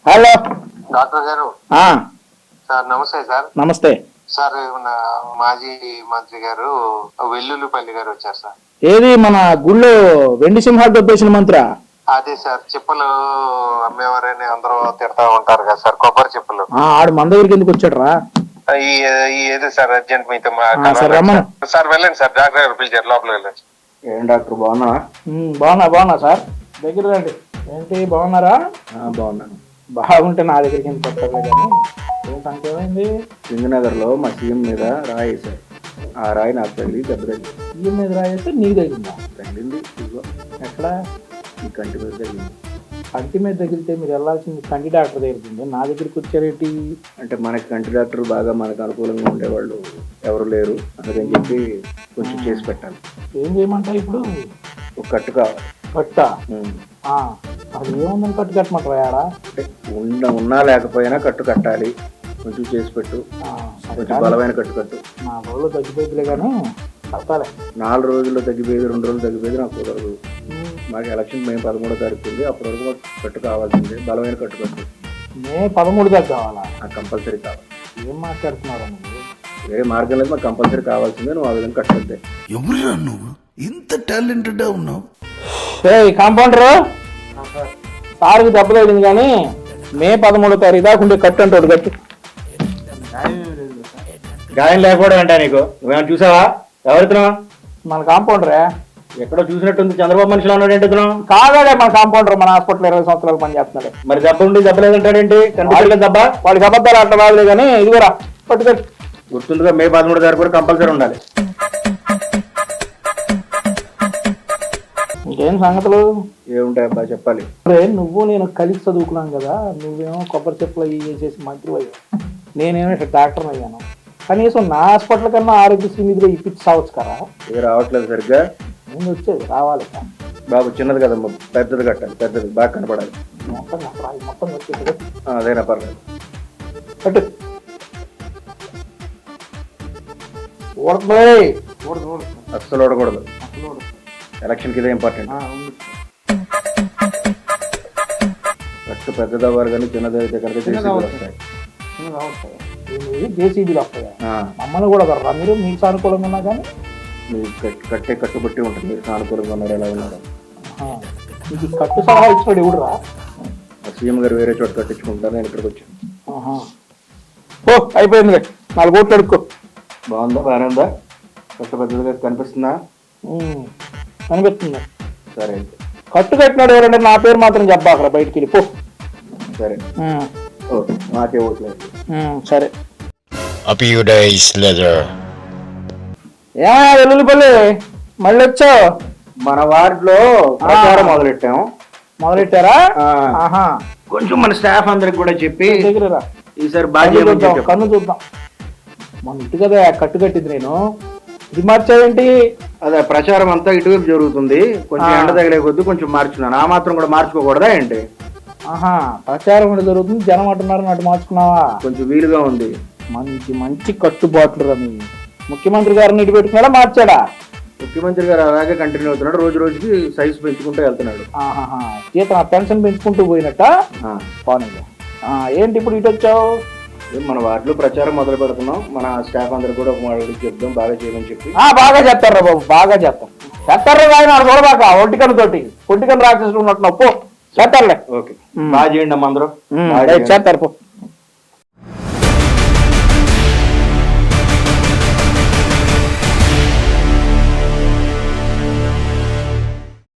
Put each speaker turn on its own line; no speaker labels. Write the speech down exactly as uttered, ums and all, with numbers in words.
Hello
doctor గారు. Sir నమస్తే sir.
నమస్తే
సార్. మన మాజీ మంత్రి గారు వెల్లుల్లిపల్లి గారు వచ్చారు సార్.
ఏది మన గుళ్ళో వెండి సింహాలు దొబ్బేసిన మంత్రి?
అదే సార్, చెప్పులు అమ్మేవారని అందరూ తిడతా ఉంటారు కదా సార్, కొబ్బరి చెప్పులు.
ఆడు మన దగ్గరికి ఎందుకు వచ్చాడు రా?
ఏది సార్ అర్జెంట్ మీతో
సార్
వెళ్ళండి సార్, డాక్టర్ గారు పిలిచారు, లోపలికి వెళ్ళండి.
ఏం డాక్టర్ బాగున్నా? బాగున్నా బాగున్నా సార్, దగ్గర రండి. ఏంటి బాగున్నారా? బాగున్నాను. బాగుంటే నా దగ్గరికి ఎందుకు వస్తారు కానీ ఏం సంఖ్య ఏమైంది? సింగనగర్ లో మా సీఎం మీద రాయి వేశారు. ఆ రాయి నాకు తగిలి దెబ్బ తగిలింది. సీఎం మీద రాయి వేస్తే నీకు తగిలిందా? తగిలింది. ఇదిగో ఎక్కడ? ఈ కంటి మీద తగిలింది. కంటి మీద తగిలితే మీరు వెళ్ళాల్సింది కంటి డాక్టర్ దగ్గరికి, నా దగ్గరికి వచ్చారేంటి? అంటే మనకి కంటి డాక్టర్ బాగా మనకు అనుకూలంగా ఉండేవాళ్ళు ఎవరు లేరు, అందుకని చెప్పి కొంచెం చేసి పెట్టాలి. ఏం చేయమంటావు ఇప్పుడు? ఒక కట్టు కావాలి. కట్ట? అది ఏముందని కట్టు కట్టమంటారా? అంటే ఉన్న ఉన్నా లేకపోయినా కట్టు కట్టాలి, కొంచెం చేసి పెట్టు. కొంచెం బలమైన కట్టు కట్టు. నా రోజులు తగ్గిపోయిందిలే కానీ కట్టాలి. నాలుగు రోజుల్లో తగ్గిపోయేది, రెండు రోజులు తగ్గిపోయేది నాకు కుదరదు. మాకు ఎలక్షన్ మే పదమూడో తారీఖు ఉంది, అప్పటి వరకు మాకు కట్టు కావాల్సిందే, బలమైన కట్టు కట్టు. మే పదమూడు దాకా కావాలా? నాకు కంపల్సరీ కావాలి. ఏం మాట్లాడుతున్నారా? వేరే మార్గం లేదు, మాకు కంపల్సరీ కావాల్సిందే. నువ్వు ఆ విధంగా కట్టద్దే.
ఎవరురా నువ్వు ఇంత టాలెంటెడ్ ఉన్నావు?
కాంపౌండర్ సార్కి దెబ్బ తగిలింది కానీ మే పదమూడో తారీఖు దాకా ఉండే కట్టు అంటాడు. కట్టు గాయం లేకపోవడం అంటా నీకు? నువ్వేమైనా చూసావా? ఎవరితున్నావు? మన కాంపౌండరే. ఎక్కడో చూసినట్టుంది, చంద్రబాబు మనిషిలో ఉన్నాడు ఏంటి? కాదాడే మన కాంపౌండర్, మన హాస్పిటల్ ఇరవై సంవత్సరాలు పని చేస్తున్నాడు. మరి దెబ్బ ఉండి దెబ్బ లేదంటాడేంటి? కనిపించలేదు దెబ్బ. వాడికి అబద్ధాలు అట్లా బాగలే కానీ ఇదిగోరా పట్టుకట్టు. గుర్తుందిగా, మే పదమూడు తారీఖు కూడా కంపల్సరీ ఉండాలి. ఇంకేం సంగతులు? ఏముంటాయి అబ్బా చెప్పాలి. నువ్వు నేను కలిసి చదువుకున్నాం కదా, నువ్వేమో కొబ్బరి చెప్పులు అవి చేసేసి మంత్రి అయ్యావు, నేనేమో ఇక్కడ డాక్టర్ అయ్యాను. కనీసం నా హాస్పిటల్ కన్నా ఆరోగ్యశ్రీ నిధిలో ఇప్పించి సావచ్చు కదా. ఇది రావట్లేదు సరిగ్గా. నేను వచ్చేది రావాలి బాబు, చిన్నది కదమ్మా, పెద్దది కట్టాలి, పెద్దది బాగా కనపడాలి. మొత్తం మొత్తం వచ్చేది అదేనా పర్లేదు. కట్టు. అస్సలు ఓడకూడదు, ఎలక్షన్ కి ఇదే ఇంపార్టెంట్. కట్టు పెద్దది అవ్వాలి కానీ చిన్నది అయితే కనుక జేసీబీలు వస్తాయి. జేసీబీలు వస్తాయి. మమ్మల్ని కూడా కర్రా మీరు, మీకు సానుకూలంగా ఉన్నా కానీ మీరు కట్టే కట్టుబట్టి ఉంటుంది. మీరు సానుకూలంగా ఉన్నారు, ఎలా ఉన్నారు? మీకు కట్టు సలహా ఇచ్చినాడు ఎవడు రా? సీఎం గారు వేరే చోట కట్టించుకుంటారు, నేను ఇక్కడికి వచ్చాను. ఓ అయిపోయింది, నాలుగు కోట్లు అడుక్కో. బాగుందా? బాగానే ఉందా? కట్టు పెద్దదిగా కనిపిస్తుందా? అనిపిస్తుంది. సరే అయితే కట్టు కట్టినాడు ఎవరంటే నా పేరు మాత్రం చెప్పా అక్కడ బయటికి వెళ్ళిపో. సరే ఓకే, మాకే ఓట్లేదు. సరే. ఏమయ్యా వెల్లుల్లిపల్లి మళ్ళీ వచ్చావు? మన వార్డులో ప్రచారం మొదలెట్టాము. మొదలెట్టారా? కొంచెం మన స్టాఫ్ అందరికి కూడా చెప్పి దగ్గర ఈసారి బాగా కన్ను చూద్దాం. మన ఇటు కదా కట్టు కట్టింది, నేను ఇది మార్చావేంటి? అదే ప్రచారం అంతా ఇటువైపు జరుగుతుంది, కొంచెం ఎండ తగిలే కొద్ది కొంచెం మార్చుకున్నాను. ఆ మాత్రం కూడా మార్చుకోకూడదా ఏంటి? ఆహా, ప్రచారం కూడా జరుగుతుంది, జనం అంటున్నారు, అటు మార్చుకున్నావా? కొంచెం వీలుగా ఉంది. మంచి మంచి కట్టుబాట్లు రని ముఖ్యమంత్రి గారిని ఇటు పెట్టుకున్నాడా మార్చాడా? ముఖ్యమంత్రి గారు అలాగే కంటిన్యూ అవుతున్నాడు, రోజు రోజుకి సైజు పెంచుకుంటూ వెళ్తున్నాడు. ఆహా, జీతం పెన్షన్ పెంచుకుంటూ పోయినట్ట. పోనీ ఏంటి ఇప్పుడు ఇటు వచ్చావు? మన వార్డులో ప్రచారం మొదలు పెడుతున్నాం, మన స్టాఫ్ అందరు కూడా ఒక మాట చెప్దాం, బాగా చేయమని చెప్పి. బాగా చేస్తారా బాబు, బాగా చేస్తాం. చేస్తారా ఆయన చూడబాక ఒంటికన్ను తోటి ఒంటికన్ను రాక్షసులు ఉన్నట్టు పో చేస్తారులే. ఓకే, బాగా చేయండి అమ్మ అందరూ చేస్తారు పో.